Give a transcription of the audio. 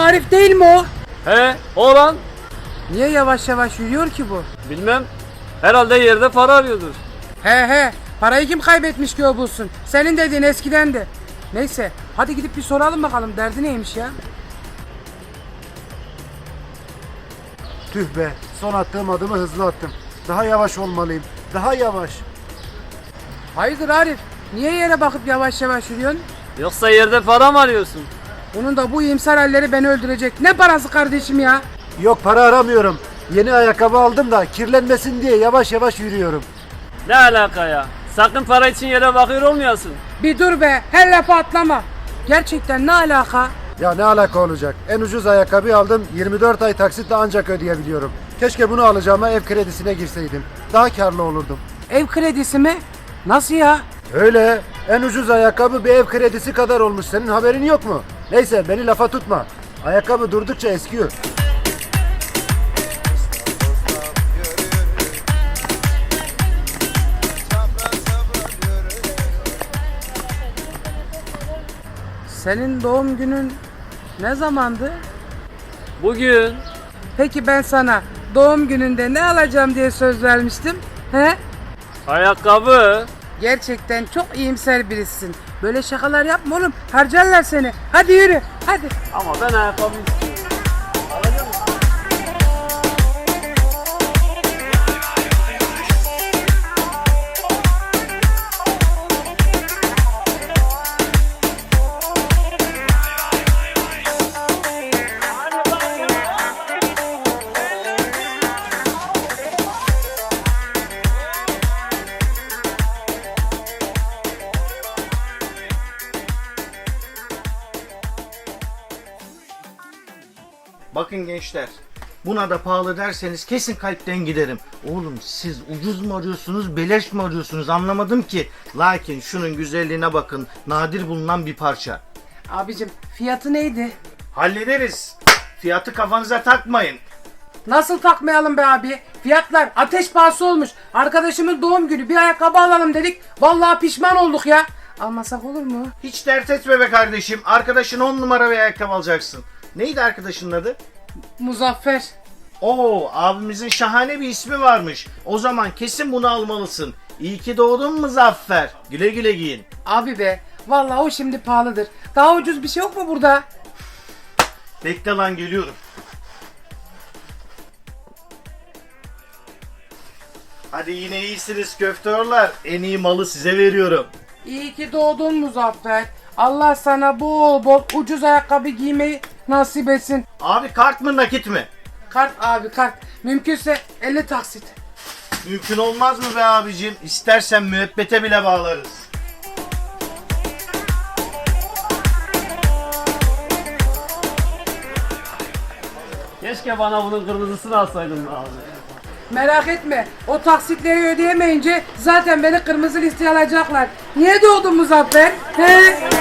Arif değil mi o? He, oğlan. Niye yavaş yavaş yürüyor ki bu? Bilmem. Herhalde yerde para arıyordur. He, parayı kim kaybetmiş ki o bulsun? Senin dediğin eskiden de. Neyse, hadi gidip bir soralım bakalım derdi neymiş ya? Tüh be, son attığım adımı hızlı attım. Daha yavaş olmalıyım. Daha yavaş. Hayırdır Arif? Niye yere bakıp yavaş yavaş yürüyorsun? Yoksa yerde para mı arıyorsun? Bunun da bu iyimser halleri beni öldürecek. Ne parası kardeşim ya? Yok, para aramıyorum. Yeni ayakkabı aldım da kirlenmesin diye yavaş yavaş yürüyorum. Ne alaka ya? Sakın para için yere bakıyor olmayasın. Bir dur be, her lafa atlama. Gerçekten ne alaka? Ya ne alaka olacak? En ucuz ayakkabı aldım. 24 ay taksitle ancak ödeyebiliyorum. Keşke bunu alacağıma ev kredisine girseydim. Daha karlı olurdum. Ev kredisi mi? Nasıl ya? Öyle. En ucuz ayakkabı bir ev kredisi kadar olmuş. Senin haberin yok mu? Neyse, beni lafa tutma. Ayakkabı durdukça eskiyor. Senin doğum günün ne zamandı? Bugün. Peki ben sana doğum gününde ne alacağım diye söz vermiştim. He? Ayakkabı. Gerçekten çok iyimser birisin. Böyle şakalar yapma oğlum. Harcarlar seni. Hadi yürü. Hadi. Ama ben ayakkabı istiyorum. Bakın gençler, buna da pahalı derseniz kesin kalpten giderim. Oğlum siz ucuz mu arıyorsunuz, beleş mi arıyorsunuz anlamadım ki. Lakin şunun güzelliğine bakın, nadir bulunan bir parça. Abicim fiyatı neydi? Hallederiz. Fiyatı kafanıza takmayın. Nasıl takmayalım be abi? Fiyatlar ateş pahası olmuş. Arkadaşımın doğum günü bir ayakkabı alalım dedik. Vallahi pişman olduk ya. Almasak olur mu? Hiç dert etme be kardeşim. Arkadaşın 10 numara bir ayakkabı alacaksın. Neydi arkadaşının adı? Muzaffer. Oo, abimizin şahane bir ismi varmış. O zaman kesin bunu almalısın. İyi ki doğdun Muzaffer. Güle güle giyin. Abi be. Vallahi o şimdi pahalıdır. Daha ucuz bir şey yok mu burada? Bekle lan, geliyorum. Hadi yine iyisiniz köftörler. En iyi malı size veriyorum. İyi ki doğdun Muzaffer. Allah sana bol bol ucuz ayakkabı giymeyi nasip etsin. Abi kart mı nakit mi? Kart abi kart. Mümkünse 50 taksit. Mümkün olmaz mı be abicim? İstersen müebbete bile bağlarız. Keşke bana bunun kırmızısını alsaydın abi. Merak etme. O taksitleri ödeyemeyince zaten beni kırmızı listeye alacaklar. Niye doğdun Muzaffer? He?